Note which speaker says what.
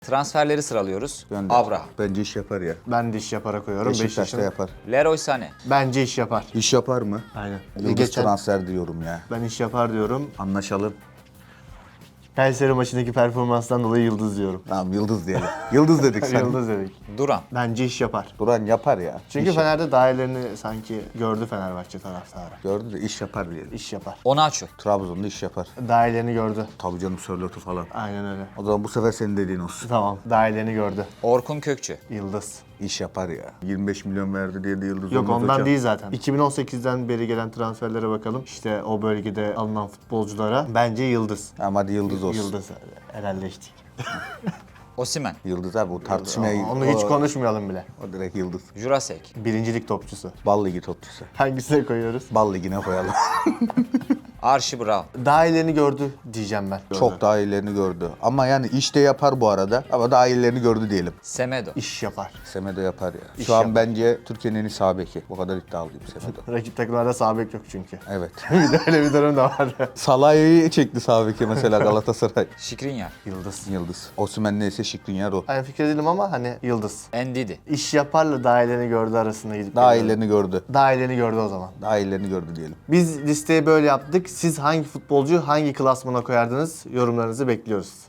Speaker 1: Transferleri sıralıyoruz.
Speaker 2: Gönder.
Speaker 1: Abraham,
Speaker 2: Bence iş yapar ya.
Speaker 3: Ben de iş yapara koyuyorum.
Speaker 2: Beşiktaş'ta
Speaker 3: Beşiktaş'ın.
Speaker 2: yapar.
Speaker 1: Leroy Sané,
Speaker 3: Bence iş yapar.
Speaker 2: İş yapar mı?
Speaker 3: Aynen.
Speaker 2: Yıldız transfer diyorum ya.
Speaker 3: Ben iş yapar diyorum.
Speaker 2: Anlaşalım.
Speaker 3: Kayseri maçındaki performanstan dolayı yıldız diyorum.
Speaker 2: Tamam yıldız diyelim. Yıldız dedik sen.
Speaker 3: Yıldız dedik.
Speaker 1: Duran,
Speaker 3: Bence iş yapar.
Speaker 2: Duran yapar ya.
Speaker 3: Çünkü
Speaker 2: İş
Speaker 3: Fener'de dahillerini sanki gördü Fenerbahçe taraftarı.
Speaker 2: gördü de iş yapar diyelim.
Speaker 3: İş yapar.
Speaker 1: Onaçu,
Speaker 2: Trabzon'da iş yapar.
Speaker 3: Dahillerini gördü.
Speaker 2: Tabii canım Sörlot'u falan.
Speaker 3: Aynen öyle.
Speaker 2: O zaman bu sefer senin dediğin olsun.
Speaker 3: Tamam. Dahillerini gördü.
Speaker 1: Orkun Kökçü,
Speaker 3: Yıldız.
Speaker 2: İş yapar ya. 25 milyon verdi diye de yıldız
Speaker 3: Yok
Speaker 2: olmaz
Speaker 3: ondan
Speaker 2: hocam.
Speaker 3: değil zaten. 2018'den beri gelen transferlere bakalım. İşte o bölgede alınan futbolculara bence yıldız.
Speaker 2: Tamam hadi yıldız olsun.
Speaker 3: Yıldız. Helalleştik.
Speaker 1: Osimhen,
Speaker 2: Yıldız abi o tartışmaya
Speaker 3: Onu hiç konuşmayalım bile.
Speaker 2: O direkt yıldız.
Speaker 1: Jurasek,
Speaker 3: Birincilik topçusu.
Speaker 2: Bal ligi topçusu.
Speaker 3: Hangisine koyuyoruz?
Speaker 2: Bal ligine koyalım.
Speaker 1: Archie Brown,
Speaker 3: Daha iyilerini gördü diyeceğim ben.
Speaker 2: Çok daha iyilerini gördü. Ama yani iş de yapar bu arada. Ama daha iyilerini gördü diyelim.
Speaker 1: Semedo,
Speaker 3: İş yapar.
Speaker 2: Semedo yapar ya.
Speaker 3: İş
Speaker 2: Şu an
Speaker 3: yapar.
Speaker 2: bence Türkiye'nin en iyi sağ beki. Bu kadar iddialıyım Semedo.
Speaker 3: Rakip takımlarda sağ bek yok çünkü.
Speaker 2: Evet.
Speaker 3: Bir de öyle bir durum da var.
Speaker 2: Salah'ı çekti sağ beki mesela Galatasaray.
Speaker 1: Skriniar,
Speaker 3: Yıldız.
Speaker 2: Yıldız. Osimhen neyse Skriniar o.
Speaker 3: Aynı fikir değilim ama hani yıldız.
Speaker 1: Ndidi,
Speaker 3: İş yaparla daha iyilerini gördü arasında gidip
Speaker 2: Daha
Speaker 3: geliyorum.
Speaker 2: iyilerini gördü.
Speaker 3: Daha iyilerini gördü o zaman.
Speaker 2: Daha iyilerini gördü diyelim.
Speaker 3: Biz listeyi böyle yaptık. Siz hangi futbolcuyu hangi klasmana koyardınız? Yorumlarınızı bekliyoruz.